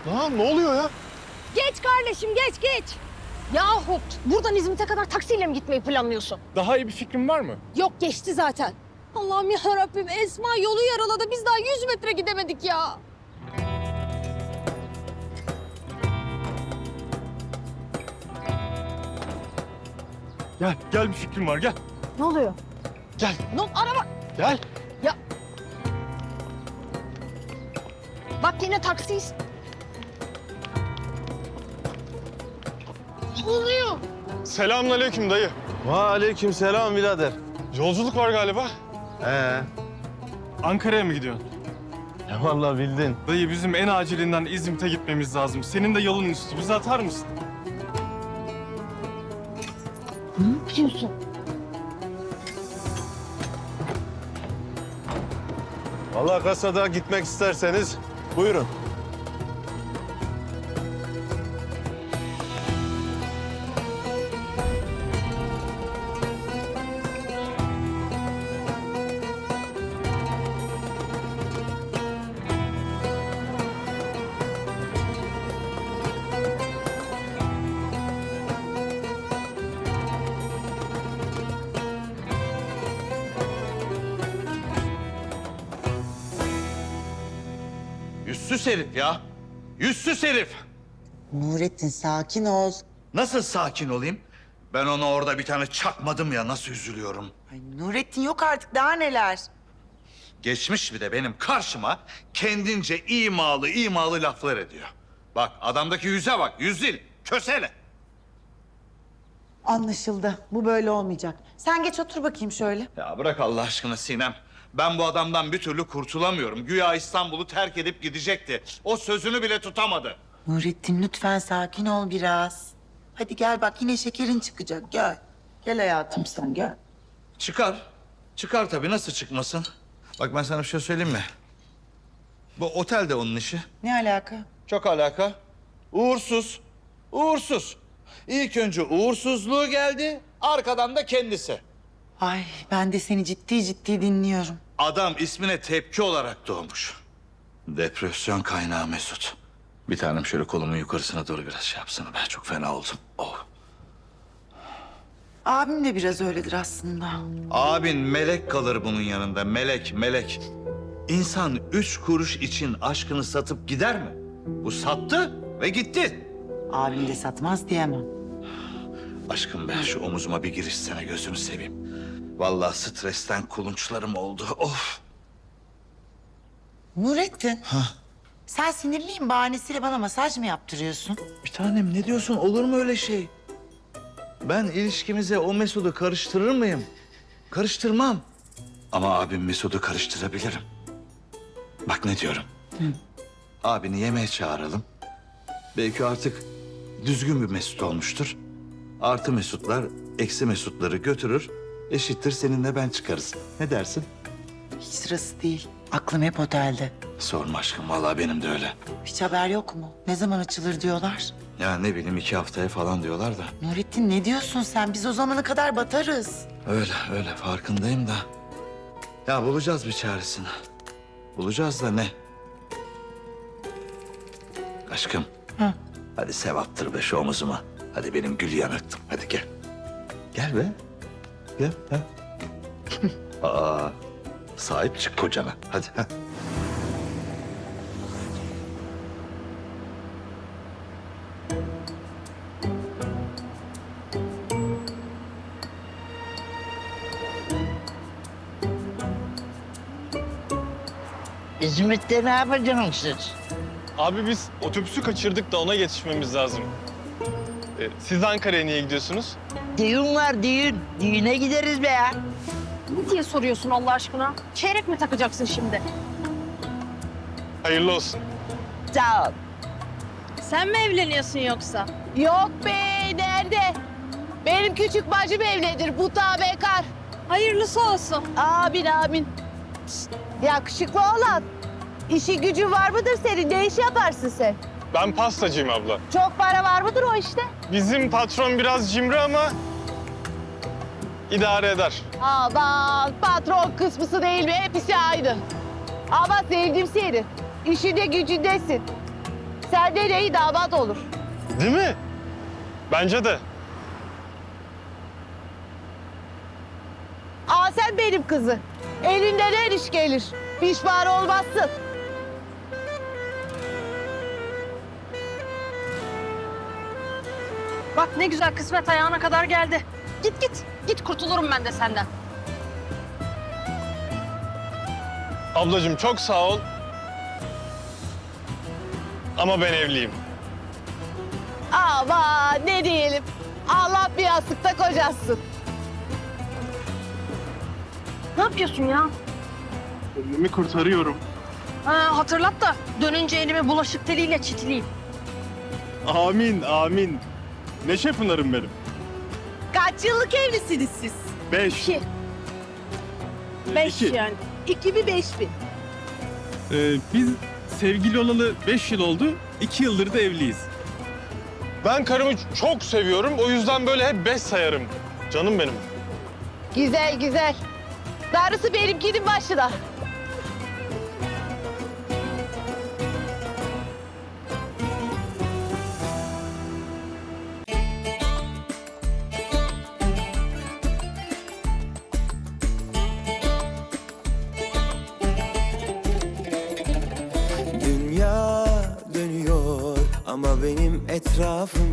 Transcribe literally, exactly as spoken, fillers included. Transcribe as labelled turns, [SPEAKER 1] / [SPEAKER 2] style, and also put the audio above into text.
[SPEAKER 1] Lan ne oluyor ya?
[SPEAKER 2] Geç kardeşim geç geç. Yahu buradan İzmit'e kadar taksiyle mi gitmeyi planlıyorsun?
[SPEAKER 1] Daha iyi bir fikrin var mı?
[SPEAKER 2] Yok geçti zaten. Allah'ım ya Rabbim Esma yolu yaraladı. Biz daha yüz metre gidemedik ya.
[SPEAKER 1] Gel, gel bir fikrim var gel.
[SPEAKER 2] Ne oluyor?
[SPEAKER 1] Gel,
[SPEAKER 2] Ne araba?
[SPEAKER 1] gel.
[SPEAKER 2] Ya. Bak yine taksiyiz. Ne oluyor?
[SPEAKER 1] Selamünaleyküm dayı.
[SPEAKER 3] Aleyküm selam birader.
[SPEAKER 1] Yolculuk var galiba.
[SPEAKER 3] Ee,
[SPEAKER 1] Ankara'ya mı gidiyorsun?
[SPEAKER 3] ya vallahi bildin.
[SPEAKER 1] Dayı bizim en acilinden İzmit'e gitmemiz lazım. Senin de yolun üstü. Bizi atar mısın?
[SPEAKER 2] Ne yapıyorsun?
[SPEAKER 3] Vallahi kasada gitmek isterseniz buyurun.
[SPEAKER 4] Yüzsüz herif ya. Yüzsüz herif.
[SPEAKER 5] Nurettin sakin ol.
[SPEAKER 4] Nasıl sakin olayım? Ben ona orada bir tane çakmadım ya, nasıl üzülüyorum.
[SPEAKER 5] Ay Nurettin yok artık daha neler.
[SPEAKER 4] Geçmiş bir de benim karşıma kendince imalı imalı laflar ediyor. Bak adamdaki yüze bak, yüz değil, kösele.
[SPEAKER 5] Anlaşıldı. Bu böyle olmayacak. Sen geç otur bakayım şöyle.
[SPEAKER 4] Ya bırak Allah aşkına Sinem. Ben bu adamdan bir türlü kurtulamıyorum. Güya İstanbul'u terk edip gidecekti. O sözünü bile tutamadı.
[SPEAKER 5] Nurettin lütfen sakin ol biraz. Hadi gel bak yine şekerin çıkacak gel. Gel hayatım sen gel.
[SPEAKER 4] Çıkar. Çıkar tabii, nasıl çıkmasın? Bak ben sana bir şey söyleyeyim mi? Bu otel de onun işi.
[SPEAKER 5] Ne alaka?
[SPEAKER 4] Çok alaka. Uğursuz. Uğursuz. İlk önce uğursuzluğu geldi, arkadan da kendisi.
[SPEAKER 5] Ay ben de seni ciddi ciddi dinliyorum.
[SPEAKER 4] Adam ismine tepki olarak doğmuş. Depresyon kaynağı Mesut. Bir tanem şöyle kolumun yukarısına doğru biraz şey yapsana. Ben çok fena oldum. Oh.
[SPEAKER 5] Abim de biraz öyledir aslında.
[SPEAKER 4] Abin melek kalır bunun yanında. Melek, melek. İnsan üç kuruş için aşkını satıp gider mi? Bu sattı ve gitti.
[SPEAKER 5] Abim de satmaz diyemem.
[SPEAKER 4] Aşkım ben şu omuzuma bir girişsene, gözünü seveyim. Vallahi stresten kulunçlarım oldu. Of.
[SPEAKER 5] Nurettin. Sen sinirliyim bahanesiyle bana masaj mı yaptırıyorsun?
[SPEAKER 4] Bir tanem ne diyorsun? Olur mu öyle şey? Ben ilişkimize o Mesut'u karıştırır mıyım? Karıştırmam. Ama abim Mesut'u karıştırabilirim. Bak ne diyorum. Hı. Abini yemeğe çağıralım. Belki artık düzgün bir Mesut olmuştur. Artı Mesutlar eksi Mesutları götürür. Eşittir seninle ben çıkarız. Ne dersin?
[SPEAKER 5] Hiç sırası değil. Aklım hep otelde.
[SPEAKER 4] Sorma aşkım, vallahi benim de öyle.
[SPEAKER 5] Hiç haber yok mu? Ne zaman açılır diyorlar?
[SPEAKER 4] Ya ne bileyim, iki haftaya falan diyorlar da.
[SPEAKER 5] Nurettin ne diyorsun sen? Biz o zamana kadar batarız.
[SPEAKER 4] Öyle öyle farkındayım da. Ya bulacağız bir çaresini. Bulacağız da ne? Aşkım.
[SPEAKER 5] Hı.
[SPEAKER 4] Hadi sevaptır be şu omuzuma. Hadi benim gül yanıktım. Hadi gel. Gel be. Gel. Ha. Aa, sahip çık kocana. Hadi. Ha.
[SPEAKER 6] İzmit'te ne yapacaksınız siz?
[SPEAKER 1] Abi biz otobüsü kaçırdık da ona yetişmemiz lazım. Ee, siz Ankara'ya niye gidiyorsunuz?
[SPEAKER 6] Düğün var düğün. Düğüne gideriz be ya.
[SPEAKER 2] Ne diye soruyorsun Allah aşkına? Çeyrek mi takacaksın şimdi?
[SPEAKER 1] Hayırlı olsun.
[SPEAKER 6] Sağ ol.
[SPEAKER 2] Sen mi evleniyorsun yoksa?
[SPEAKER 7] Yok be, nerede? Benim küçük bacım evlidir, bu da bekar.
[SPEAKER 2] Hayırlısı olsun.
[SPEAKER 7] Amin amin. Şişt, yakışıklı oğlan. İşi gücü var mıdır senin? Ne iş yaparsın sen?
[SPEAKER 1] Ben pastacıyım abla.
[SPEAKER 7] Çok para var mıdır o işte?
[SPEAKER 1] Bizim patron biraz cimri ama idare eder.
[SPEAKER 7] Aman patron kısmısı değil mi? Hepsi aynı. Ama sevdim seni. İşinde gücündesin. Senden iyi damat olur.
[SPEAKER 1] Değil mi? Bence de.
[SPEAKER 7] Aa sen benim kızı. Elinden her iş gelir. Pişman olmazsın.
[SPEAKER 2] Bak ne güzel kısmet ayağına kadar geldi. Git git. Git kurtulurum ben de senden.
[SPEAKER 1] Ablacığım çok sağ ol. Ama ben evliyim.
[SPEAKER 7] Ama ne diyelim. Allah bir yastıkta kocasın.
[SPEAKER 2] Ne yapıyorsun ya?
[SPEAKER 1] Kendimi kurtarıyorum.
[SPEAKER 2] Ha, hatırlat da dönünce elimi bulaşık teliyle çitleyeyim.
[SPEAKER 1] Amin, amin. Neşe Pınar'ım benim.
[SPEAKER 7] Kaç yıllık evlisiniz siz?
[SPEAKER 1] Beş.
[SPEAKER 7] İki. Beş
[SPEAKER 1] İki.
[SPEAKER 7] yani. İki mi beş mi?
[SPEAKER 8] Ee, biz sevgili olalı beş yıl oldu. iki yıldır da evliyiz.
[SPEAKER 1] Ben karımı çok seviyorum. O yüzden böyle hep beş sayarım. Canım benim.
[SPEAKER 7] Güzel güzel. Darısı benimkinin başına.
[SPEAKER 9] Dünya dönüyor ama benim etrafım